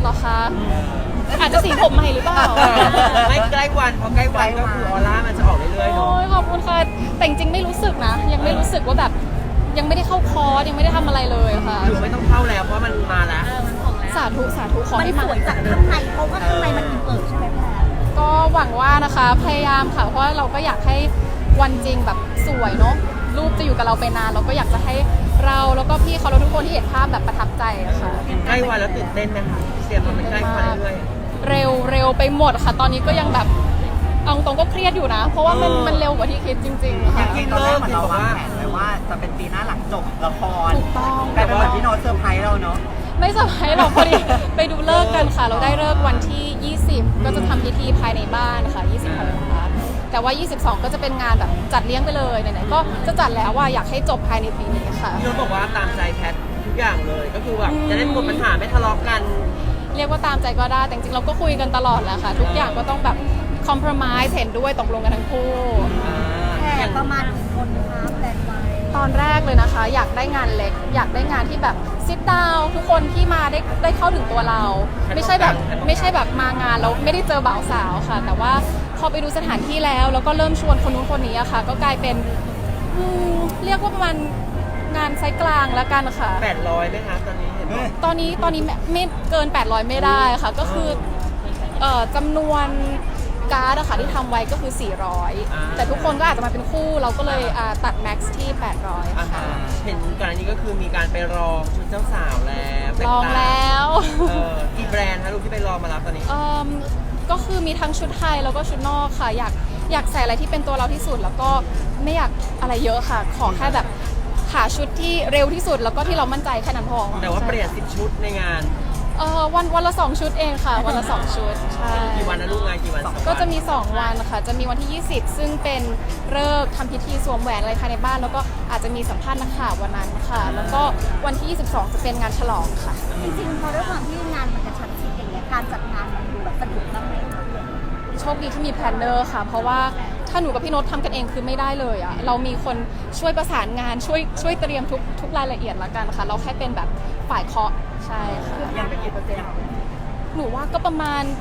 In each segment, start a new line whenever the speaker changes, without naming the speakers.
รอคะอาจจะสีผมใหม่หรือเปล่า
ไม่ใกล้วันพอใกล้วันก็คือออร่ามันจะออกเรื่อยๆ
โอ้
เนาะ
ยขอบคุณค่ะแต่จริงๆไม่รู้สึกนะยังไม่รู้สึกว่าแบบยังไม่ได้เข้าคอร์สยังไม่ได้ทำอะไรเลยค่ะ
อยู่ไม่ต้องเข้าแล้วเพราะมันมาแล้ว
สาธุขอ
มัน
ให้
ส
มา
วยจากข้างในเพราะว่าข้างในมันอิ่มเอิบใช่ไหมพี่แพท
ก็หวังว่านะคะพยายามค่ะเพราะว่าเราก็อยากให้วันจริงแบบสวยเนาะรูปจะอยู่กับเราไปนานเราก็อยากจะให้เราแล้วก็พี่เขาแล้วทุกคนที่เห็นภาพแบบประทับใจอะค่ะ
ใกล้วันแล้วตื่นเต้นไหมคะเสียงมันใกล้วันเรื่อย
เร็วไปหมดค่ะ ตอนนี้ก็ยังแบบเอาตรงก็เครียดอยู่นะ เพราะว่ามันเร็วกว่าที่คิดจริงๆ
อ
ค่ะ
ย่างที่ตอนแรกเหมือนเราวางแผนไว้ว่าจะเป็นปีหน้าหลังจบละคร
ถูกต้อง
แต่เป็นเหมือนพี่โน้ตเซอร์ไพรส์เราเนาะ
ไม่สบายหรอกพอดีไปดูเลิกษ์กันค่ะ เราได้เลิกษ์วันที่ 20 ก็จะทำพิธีภายในบ้านค่ะ 20ธันวาคมแต่ว่า 22 ก็จะเป็นงานแบบจัดเลี้ยงไปเลยไหนๆก็จะจัดแล้วว่าอยากให้จบภายในปีนี้ค่ะ
ๆพี่โน้ตบอกว่าตามใจแพททุกอย่างเลยก็คือแบบจะได้หมดปัญหาไม่ทะเลาะกัน
เรียกว่าตามใจก็ได้แต่จริงๆเราก็คุยกันตลอดแหละค่ะ ทุกอย่างก็ต้องแบบคอมเพลมไ s e เห็นด้วยตกลงกันทั้งคู่
แขกประมาณกี่คนคะแพลนไว้
ตอนแรกเลยนะคะ อยากได้งานเล็ก อยากได้งานที่แบบซิดดาวทุกคนที่มาได้เข้าถึงตัวเรา ไม่ใช่แบบมางานแล้วไม่ได้เจอบ่าวสาวค่ะ แต่ว่าพอไปดูสถานที่แล้วก็เริ่มชวนคนนู้นคนนี้อะค่ะ ก็กลายเป็นเรียกว่าประมาณงานไซส์กลางแล้วกันค่ะ
800ไหมคะตอนนี้เห็นบอก
ตอนนี้ไม่เกิน 800 ไม่ได้ค่ะ ก็คือจำนวนการ์ดอะค่ะที่ทำไว้ก็คือ 400 แต่ทุกคนก็อาจจะมาเป็นคู่เราก็เลยตัดแม็กซ์ที่ 800
อ่า
ค่ะ
เห็นก่อนอันนี้ก็คือมีการไปรองชุดเจ้าสาวแล้วต่
ลองแล้ว
กี่แบรนด์คะลูกที่ไปรองมาแล้วตอนนี้
ก็คือมีทั้งชุดไทยแล้วก็ชุดนอกค่ะ อยากใส่อะไรที่เป็นตัวเราที่สุด แล้วก็ไม่อยากอะไรเยอะค่ะ ขอแค่แบบหาชุดที่เร็วที่สุด แล้วก็ที่เรามั่นใจแค่นั้นพอ
แต่ว่าเปลี่ยน10ชุดในงาน
วันละ2ชุดเองค่ะ วันละ2ชุดใช่
กี่วันนะลูกงานกี่วัน2
ก็จะมี 2 วันค่ะ จะมีวันที่ 20 ซึ่งเป็นฤกษ์ทำพิธีสวมแหวนอะไรภายในบ้าน แล้วก็อาจจะมีสัมภาษณ์นักข่าววันนั้นค่ะ แล้วก็วันที่ 22 จะเป็นงานฉลองค่ะ
จริงๆพอด้วยความที่งานมันกระชั้นชิดอย่างเงี้ยการจัดงานมันดูแบบสะดวกบ้างไหมคะ
โชคดีที่มีแพลนเนอร์ค่ะ เพราะว่าถ้าหนูกับพี่โน้ตทำกันเองคือไม่ได้เลยอะเรามีคนช่วยประสานงานช่วยเตรียมทุกรายละเอียดละกันค่ะ เราแค่เป็นแบบฝ่ายเคาะใช่ค่ะ
ยังเป็นกี่เปอร์เซ็นต์
หนูว่าก็ประมาณ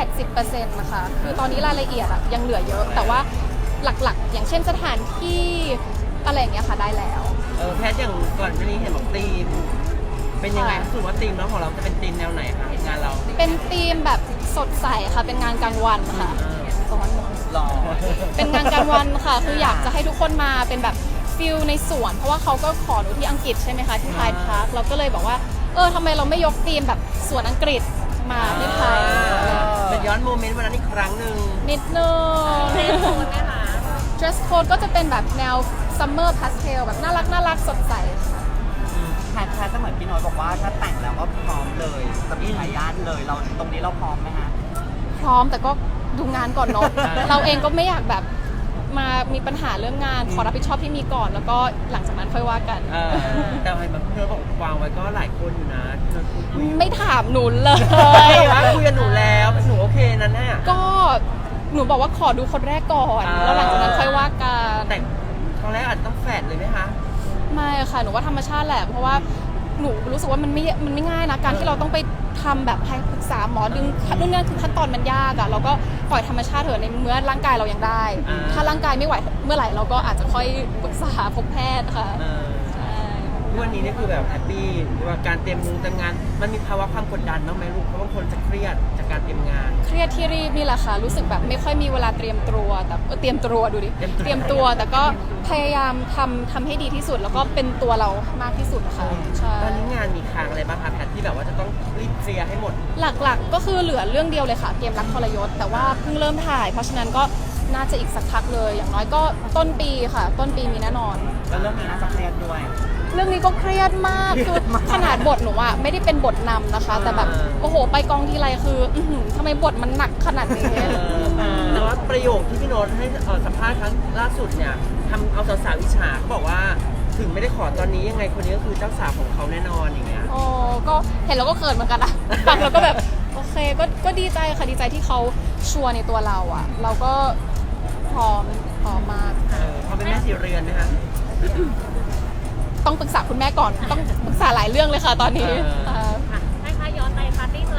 80%นะคะ คือตอนนี้รายละเอียดอะยังเหลือเยอะ แต่ว่าหลักๆ อย่างเช่นสถานที่อะไรอย่างเงี้ยค่ะได้แล้ว
แพทอย่างก่อนหน้านี้เห็นบอกธีม เป็นยังไงรู้สึกว่าธีมแล้วของเราจะเป็นธีมแนวไหนคะงานเรา
เป็นธีมแบบสดใสค่ะ เป็นงานกลางวันค่ะร้อน
หล่อ
เป็นงานกลางวันค่ะ คืออยากจะให้ทุกคนมาเป็นแบบฟิลในสวน เพราะว่าเขาก็ขอหนูที่อังกฤษใช่ไหมคะที่ไทยพาร์คเราก็เลยบอกว่าทำไมเราไม่ยกธีมแบบสวนอังกฤษมาที่ไทย
เป็นย้อนโมเมนต์วันนั้นอีกครั้งหนึ่ง
นิดนึง dress code ก็จะเป็นแบบแนว summer pastel แบบน่ารักสดใสค่ะ
แพทย์ก็เหมือนพี่โน้ตบอกว่าถ้าแต่งแล้วก็พร้อมเลยจะมีทายาทเลยเราตรงนี้เราพร้อมไหมคะ
พร้อมแต่ก็ดูงานก่อนเนาะ เราเองก็ไม่อยากแบบมามีปัญหาเรื่องงานขอรับผิดชอบที่มีก่อน แล้วก็หลังจากนั้นค่อยว่ากัน
แต่เห็นแบบพี่โน้ตบอกวางไว้ก็หลายคนอยู่นะพี่โน้ตคุย
ไม่ถามหนูเล
ว่าคุยกับหนูแล้วหนูโอเคนั่นน่ะ
ก็หนูบอกว่าขอดูคนแรกก่อน แล้วหลังจากนั้นค่อยว่ากัน
แต่ครั้งแรกอาจจะต้องแฝดเลยไหมคะ
ไม่ค่ะหนูว่าธรรมชาติแหละเพราะว่าหนูรู้สึกว่ามันไม่ง่ายนะการที่เราต้องไปทำแบบให้ปรึกษาหมอดึงนู่นนี่คือขั้นตอนมันยากอะเราก็ปล่อยธรรมชาติเถอะในเมื่อร่างกายเรายังได้ ถ้าร่างกายไม่ไหวเมื่อไหร่เราก็อาจจะค่อยปรึกษาพบแพทย์ค่ะใช่
วันนี้นี่คือแบบแฮปปี้ว่าการเตรียมงานมันมีภาวะความกดดันบ้างไหมลูกเพราะบางคนจะเครียดจากการเตรียมงาน
เครียดที่รีบนี่แหละค่ะรู้สึกแบบไม่ค่อยมีเวลาเตรียมตัวแต่เตรียมตัวดูดิเตรียมตัวแต่ก็พยายามทำให้ดีที่สุด แล้วก็เป็นตัวเรามากที่สุดค่ะใช่
ตอนนี้งานมีค้างอะไรบ้างคะแพทที่แบบว่าจะต้องรีบเคลียร์ให้หมด
หลักๆก็คือเหลือเรื่องเดียวเลยค่ะเกมรักทรยศแต่ว่าเพิ่งเริ่มถ่าย เพราะฉะนั้นก็น่าจะอีกสักพักเลยอย่างน้อยก็ต้นปีค่ะ ต้นปีมีแน่นอน
แล้วเรื่องนี้น่าจะเครียดด้วย
เรื่องนี้ก็เครียดมากคือขนาดบทหนูอะไม่ได้เป็นบทนำนะคะ แต่แบบโอ้โหไปกองทีไรคืออื้อหือทำไมบทมันหนักขนาดนี้
แต่ว่าประโยคที่พี่โน้ตให้สัมภาษณ์ครั้งล่าสุดเนี่ยทำเอาสาวๆอิจฉาเขาบอกว่าถึงไม่ได้ขอตอนนี้ยังไงคนนี้ก็คือเจ้าสาวของเขาแน่นอนอย่างเงี้ย
โอ้ก็เห็นแล้วก็เขินเหมือนกันนะฟังแล้วก็แบบโอเคก็ดีใจค่ะดีใจที่เขาชัวร์ในตัวเราอะเราก็พร้อมมาก
เขาเป็นแม่สีเรือนนะคะ
ต้องปรึกษาคุณแม่ก่อนต้องปรึกษาหลายเรื่องเลยค่ะตอนนี้
เออ
ค่ะ
ให้ย้อนไปปาร์ตี้สละโสด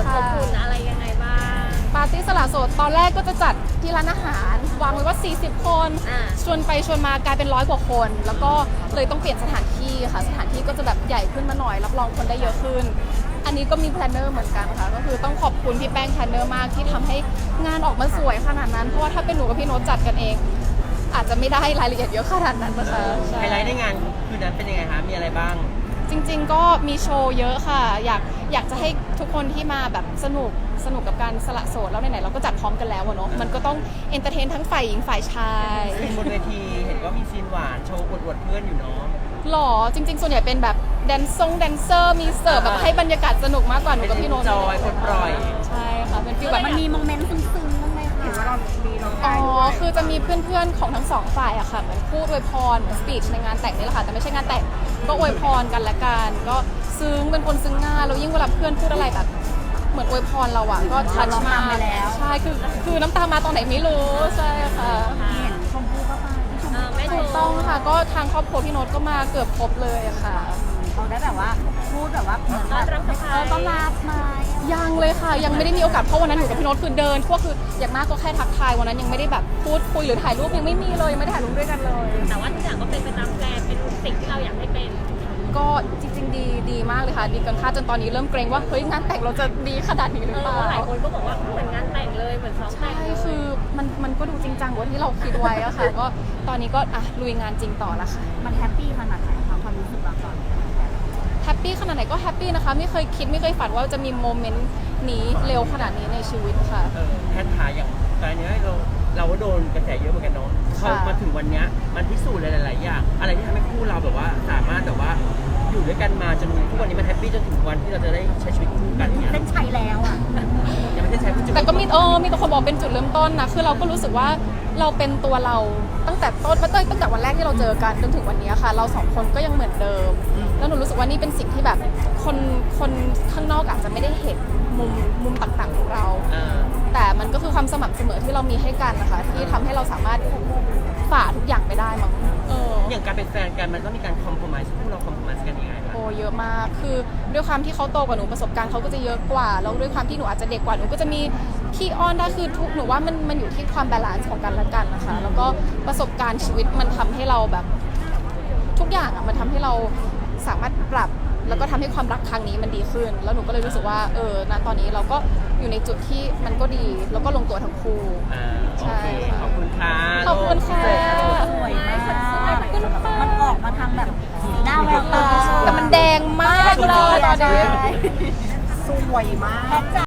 ค่ะ
อบอุ่นอะไรยังไงบ้าง
ปาร์ตี้สละโสดตอนแรกก็จะจัดที่ร้านอาหารวางไว้ว่า 40 คน
อ่า
ชวนไปชวนมากลายเป็น100 กว่าคน แล้วก็เลยต้องเปลี่ยนสถานที่ค่ะสถานที่ก็จะแบบใหญ่ขึ้นมาหน่อยรับรองคนได้เยอะขึ้น อันนี้ก็มีแพลนเนอร์เหมือนกันค่ะก็คือต้องขอบคุณพี่แป้งแพลนเนอร์มากที่ทำให้งานออกมาสวยขนาดนั้นเพราะว่าถ้าเป็นหนูกับพี่โน้ตจัดกันเอง อาจจะไม่ได้รายละเอียดเยอะขนาดนั้นนะคะใช่
ไฮไลท์ในงานคืนนั้นเป็นยังไงคะมีอะไรบ้าง
จริงๆ ก็มีโชว์เยอะค่ะ อยากจะให้ทุกคนที่มาแบบสนุกกับการสละโสดแล้วไหนๆเราก็จัดพร้อมกันแล้วอะเนาะมันก็ต้องเอนเตอร์เทนทั้งฝ่ายหญิงฝ่ายชาย
ซีนบนเวทีเห็นว่ามีซีนหวานโชว์อวดๆเพื่อนอยู่เนาะ
หล่อจริงๆ ส่วนใหญ่เป็นแบบแดนเซอร์มีเสิร์ฟแบบให้บรรยากาศสนุกมากกว่าหนูกับพี่โน้ต
จอยปลดปล่อย
ใช่ค่ะเป็นฟีลแบบ
มันมีโมเมนต์ซึ้งๆบ้างไหมคะเห็นว่าเรามีร้องไห้
อ๋อ
ด้วย
คือจะมีเพื่อนๆ ของทั้งสองฝ่ายอะค่ะ เหมือนพูดอวยพรเหมือนสปีชในงานแต่งนี่แหละค่ะ แต่ไม่ใช่งานแต่ง ก็อวยพรกันละกัน ก็ซึ้ง เป็นคนซึ้งง่ายแล้วยิ่งเวลาเพื่อนพูดอะไรแบบ เหมือนอวยพรเราอะก็ทัชมากใช่ คือน้ำตามาตอนไหนไม่รู้ ใช่ค่ะ
เห็นชมพู่ก็มาที่ชม
แม่ช
ถู
ม
กต้องค่ะ ก็ทางครอบครัวพี่โน้ตก็มาเกือบครบเลยอะค่ะ
เขาได้แบบว่าพูดแบบว่าเหมือนแบบต้อนรับมา
ยังเลยค่ะ ยังไม่ได้มีโอกาสเพราะวันนั้นหนูกับพี่โน้ตคือเดินทั่วคืออย่างมากก็แค่ทักทายวันนั้นยังไม่ได้แบบพูดคุยหรือถ่ายรูปยังไม่มีเลยยังไม่ได้ถ่ายรูปด้วยกันเลย
แต่ว่าทุกอย่างก็เป็นไปตามแพลนเป็นสิ่งที่เราอยากให้เป็น
ก็จริงๆดีมากเลยค่ะ ดีเกินคาดจนตอนนี้เริ่มเกรงว่าเฮ้ยงานแต่งเราจะดีขนาดนี้หรือเปล่า
หลายคนก็บอกว่าเหมือนงานแต่งเลยเหมือนซ้อมแต่
ใช่
งเลย
คือมันก็ดูจริงจังกว่าที่เราคิดไว้อะค่ะ ก็ตอนนี้ก็อ่ะลุยงานจริงต่อละค่ะ
มันแฮปปี้ขนาดไหนคะความรู้สึกเราตอนนี้
แฮปปี้ขนาดไหนก็แฮปปี้นะคะไม่เคยคิดไม่เคยฝันว่าจะมีโมเมนต์นี้เร็วขนาดนี้ในชีวิตค่ะ
แพทย์ทายอย่างตอนนี้เราก็โดนกระแสเยอะเหมือนกันเนาะพอมาถึงวันเนี้ยมันพิสูจน์หลายๆอย่างอะไรที่ทำให้คู่เราแบบว่าสามารถแบบว่าอยู่ด้วยกันมาจนทุกวันนี้มันแฮปปี้จนถึงวันที่เราจะได้ใช้ชีวิตคู่กันเนี่ย
เส้นชัยแล้วอ่ะ
ยังไม่ได้ใช้พูดจุด
แต่ก็มีแต่คนบอกเป็นจุดเริ่มต้นนะคือเราก็รู้สึกว่าเราเป็นตัวเราตั้งแต่ต้นตั้งแต่วันแรกที่เราเจอกันจนถึงวันนี้ค่ะ เราสองคนก็ยังเหมือนเดิม แล้วหนูรู้สึกว่านี่เป็นสิ่งที่แบบคนข้างนอกอาจจะไม่ได้เห็นมุมต่างๆของเรา แต่มันก็คือความสม่ำเสมอที่เรามีให้กันนะคะที่ทำให้เราสามารถฝ่าทุกอย่างไปได้มั้ง
อย่างการเป็นแฟนกันมันต้องมีการคอมโพมไมซ์คู่เราคอมโพมไมซ์กันยังไงบ้าง
โอ้เยอะมากคือด้วยความที่เขาโตกว่าหนูประสบการณ์เขาก็จะเยอะกว่าแล้วด้วยความที่หนูอาจจะเด็กกว่าหนูก็จะมีขี้อ้อนได้คือทุกหนูว่ามันอยู่ที่ความบาลานซ์ของกันและกันนะคะแล้วก็ประสบการณ์ชีวิตมันทำให้เราแบบทุกอย่างอ่ะมันทำให้เราสามารถปรับแล้วก็ทำให้ความรักครั้งนี้มันดีขึ้น แล้วหนูก็เลยรู้สึกว่าณตอนนี้เราก็อยู่ในจุดที่มันก็ดีแล้วก็ลงตัวทั้งคู่
โอเคขอบคุณค่ะ
ขอบคุณค่ะ
สวยมากมันออกมาทางแบบสีหน้าแววตา
แต่มันแดงมากเลยตอนนี้
สวยมาก